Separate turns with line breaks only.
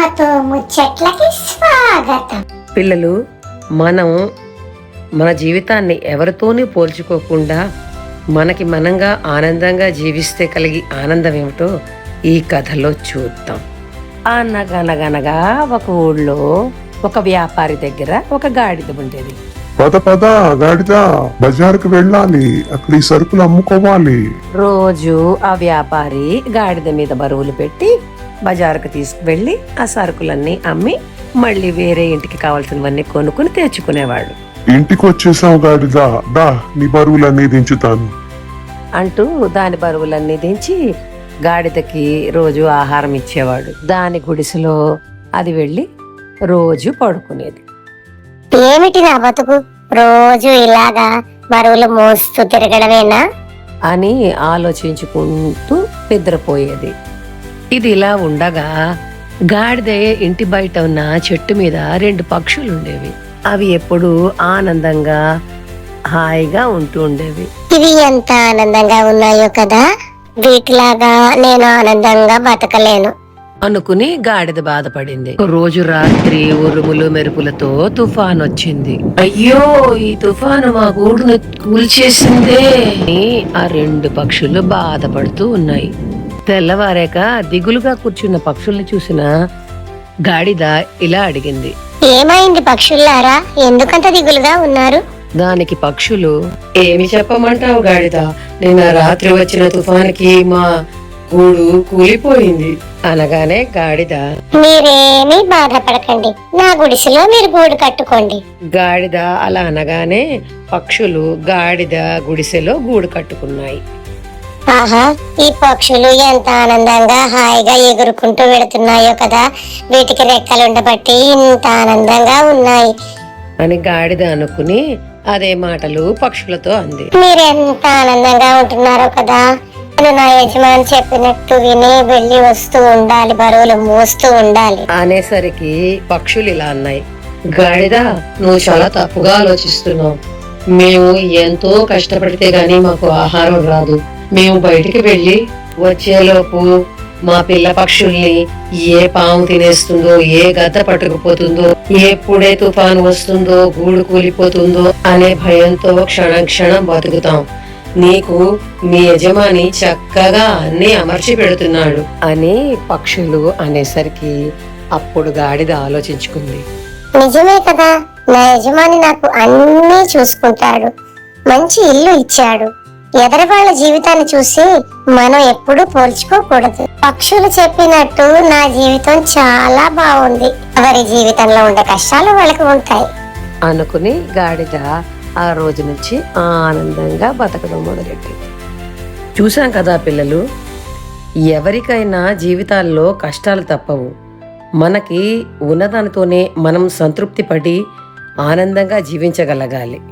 అమ్మతో ముచ్చట్లకి స్వాగతం.
పిల్లలు, మనం మన జీవితాన్ని ఎవరితోనూ పోల్చుకోకుండా మనకి మనంగా ఆనందంగా జీవిస్తే కలిగి ఆనందం ఏమిటో ఈ కథలో చూద్దాం. అనగనగనగా ఒక ఊళ్ళో ఒక వ్యాపారి దగ్గర ఒక గాడిద ఉండేది.
పద గాడిద, బజారుకు వెళ్ళాలి, అక్కడ ఈ సరుకులు అమ్ముకోవాలి.
రోజు ఆ వ్యాపారి గాడిద మీద బరువులు పెట్టి బజారుకు తీసుకువెళ్ళి ఆ సరుకులన్నీ అమ్మి మళ్ళీ వేరే ఇంటికి కావాల్సినవన్నీ కొనుక్కుని తెచ్చుకునేవాడు.
ఇంటికి వచ్చేసావు గాడిద, దా నీ బరువులన్నీ దించుతాను
అంటూ దాని బరువులన్నీ దించి గాడిదకి రోజు ఆహారం ఇచ్చేవాడు. దాని గుడిసెలో అది వెళ్ళి రోజు పడుకునేది.
ఏమిటి నా బతుకు, రోజు ఇలాగా బరువులు మోస్తూ తిరగడమేనా
అని ఆలోచించుకుంటూ నిద్రపోయేది. ఇది ఇలా ఉండగా గాడిద ఇంటి బయట ఉన్న చెట్టు మీద 2 పక్షులు ఉండేవి. అవి ఎప్పుడూ ఆనందంగా హాయిగా ఉంటూ ఉండేవి.
ఇవి ఎంత ఆనందంగా ఉన్నాయో కదా, వీటిలాగా నేను ఆనందంగా బతకలేను
అనుకుని గాడిద బాధపడింది. రోజు రాత్రి ఉరుములు మెరుపులతో తుఫాన్ వచ్చింది. అయ్యో, ఈ తుఫాను మా గూడును కూల్చేసిందే అని ఆ 2 పక్షులు బాధపడుతూ ఉన్నాయి. తెల్లవారాక దిగులుగా కూర్చున్న పక్షుల్ని చూసిన గాడిద ఇలా అడిగింది.
ఏమైంది పక్షుల్లారా, ఎందుకంత దిగులుగా ఉన్నారు?
దానికి పక్షులు, ఏమి చెప్పమంటావు గాడిద, నిన్న రాత్రి వచ్చిన తుఫానికి మా గూడు కూలిపోయింది అనగానే గాడిద,
మీరేమీ బాధపడకండి, నా గుడిసెలో మీరు గూడు కట్టుకోండి.
గాడిద అలా అనగానే పక్షులు గాడిద గుడిసెలో గూడు కట్టుకున్నాయి.
ఆహా, ఈ పక్షులు ఎంత ఆనందంగా హాయిగా ఎగురుకుంటూ వెళుతున్నాయో కదా, వీటికి రెక్కలు ఉండబట్టి ఇంత ఆనందంగా ఉన్నాయి
అని గాడిద అనుకుని అదే మాటలు పక్షులతో అంది.
మీరెంత ఆనందంగా ఉంటున్నారో కదా, నేను నా యజమాని చెప్పినట్టు విని వెళ్ళి వస్తూ ఉండాలి, బరువులు మోస్తూ ఉండాలి
అనేసరికి పక్షులు ఇలా అన్నాయి. గాడిద, నువ్వు చాలా తప్పుగా ఆలోచిస్తున్నావు. మేము ఎంతో కష్టపడితే గాని మాకు ఆహారం రాదు. మేము బయటికి వెళ్ళి వచ్చేలోపు మా పిల్ల పక్షుల్ని ఏ పాము తినేస్తుందో, ఏ గద్ద పట్టుకుపోతుందో, ఎప్పుడే తుఫాను వస్తుందో, గూడు కూలిపోతుందో అనే భయంతో క్షణం క్షణం బతుకుతాం. నీకు మీ యజమాని చక్కగా అన్ని అమర్చి పెడుతున్నాడు అని పక్షులు అనేసరికి అప్పుడు గాడిద ఆలోచించుకుంది.
నిజమే కదా, నా యజమాని నాకు అన్నీ చూసుకుంటాడు, మంచి ఇల్లు ఇచ్చాడు. ఎదరి వాళ్ళ జీవితాన్ని చూసి మనం ఎప్పుడూ పోల్చుకోకూడదు. పక్షులు చెప్పినట్టు నా జీవితం చాలా బాగుంది, ఎవరి జీవితంలో ఉండే కష్టాలు వాళ్ళకి ఉంటాయి
అనుకుని గాడిద ఆ రోజు నుంచి ఆనందంగా బతకడం మొదలెట్టింది. చూసాం కదా పిల్లలు, ఎవరికైనా జీవితాల్లో కష్టాలు తప్పవు. మనకి ఉన్నదానితోనే మనం సంతృప్తి పడి ఆనందంగా జీవించగలగాలి.